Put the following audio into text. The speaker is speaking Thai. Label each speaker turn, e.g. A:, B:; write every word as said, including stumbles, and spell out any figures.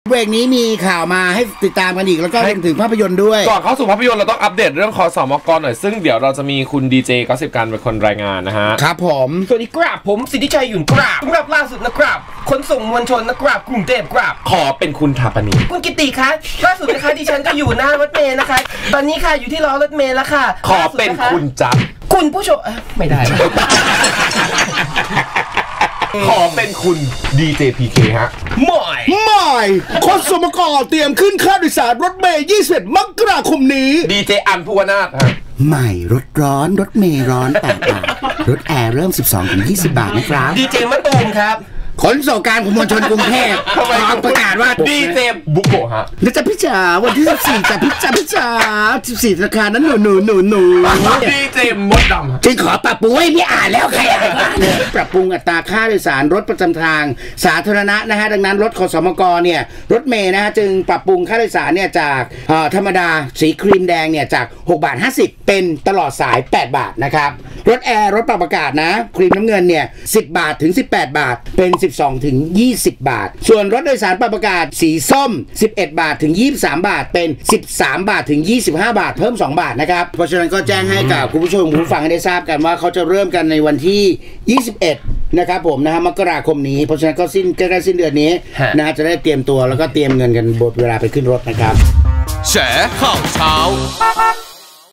A: เบรกนี้มีข่าวมาให้ติดตามกันอีกแล้วก็รวมถึงภาพยนตร์ด้วย
B: ก่อนเข้าสู่ภาพยนตร์เราต้องอัปเดตเรื่องคสมกหน่อยซึ่งเดี๋ยวเราจะมีคุณดีเจก็สิบการเป็นคนรายงานนะฮะ
A: ครับผม
C: สวัสดีครับผมสิทธิชัยหยุ่นกราบสำหรับล่าสุดนะครับขนส่งมวลชนนะครับกรุงเทพครับ
B: ขอเป็นคุณถาปนี
C: คุณกิติคะล่าสุดนะคะดิฉันก็อยู่หน้ารถเมล์นะคะตอนนี้ค่ะอยู่ที่ล้อรถเมล์แล้วค่ะ
B: ขอเป็นคุณจับ
C: คุณผู้ชมไม่ได้
B: ขอเป็นคุณ ดี เจ พี เค ฮะ
C: ไม่
A: ไม่คสมกเตรียมขึ้นค่าโดยสารรถเมล์ยี่สิบเอ็ดมกราคมนี้
B: ดี เจ อันภูวนาถฮะ
A: ใหม่รถร้อนรถเมล์ร้อนแปดบาทรถแอร์เริ่ม สิบสองถึงยี่สิบ บาทนะครับ
C: ดีเจมะตูมครับ
A: ขนส่งการขนมวลชนกรุงเทพประกาศว่า
B: ดีเจบุโกะฮะ
A: แล้วจะพิจารวันที่สิบสี่จะพิจารพิจารสิบสี่ธนาคารนั้นหนูหนูหนูหนู
B: ดีเจมดดำ
A: จึงขอปรับปรุงให้พี่อ่านแล้วใครอ่านปรับปรุงอัตราค่าโดยสารรถประจำทางสาธารณะนะฮะดังนั้นรถขสมกเนี่ยรถเมย์นะฮะจึงปรับปรุงค่าโดยสารเนี่ยจากธรรมดาสีครีมแดงเนี่ยจากหกบาทห้าสิบเป็นตลอดสายแปดบาทนะครับรถแอร์รถปรับอากาศนะครีมน้ำเงินเนี่ยสิบบาทถึงสิบแปดบาทเป็นสิบสองถึงยี่สิบบาทส่วนรถโดยสารปรับอากาศสีส้มสิบเอ็ดบาทถึงยี่สิบสามบาทเป็นสิบสามบาทถึงยี่สิบห้าบาทเพิ่มสองบาทนะครับเพราะฉะนั้นก็แจ้งให้กับคุณผู้ชมผู้ฟังได้ทราบกันว่าเขาจะเริ่มกันในวันที่ยี่สิบเอ็ดนะครับผมนะฮะมกราคมนี้เพราะฉะนั้นก็สิ้นใกล้ๆสิ้นเดือนนี้นะฮะจะได้เตรียมตัวแล้วก็เตรียมเงินกันบทเวลาไปขึ้นรถนะครับ
D: แฉข่าวเช้า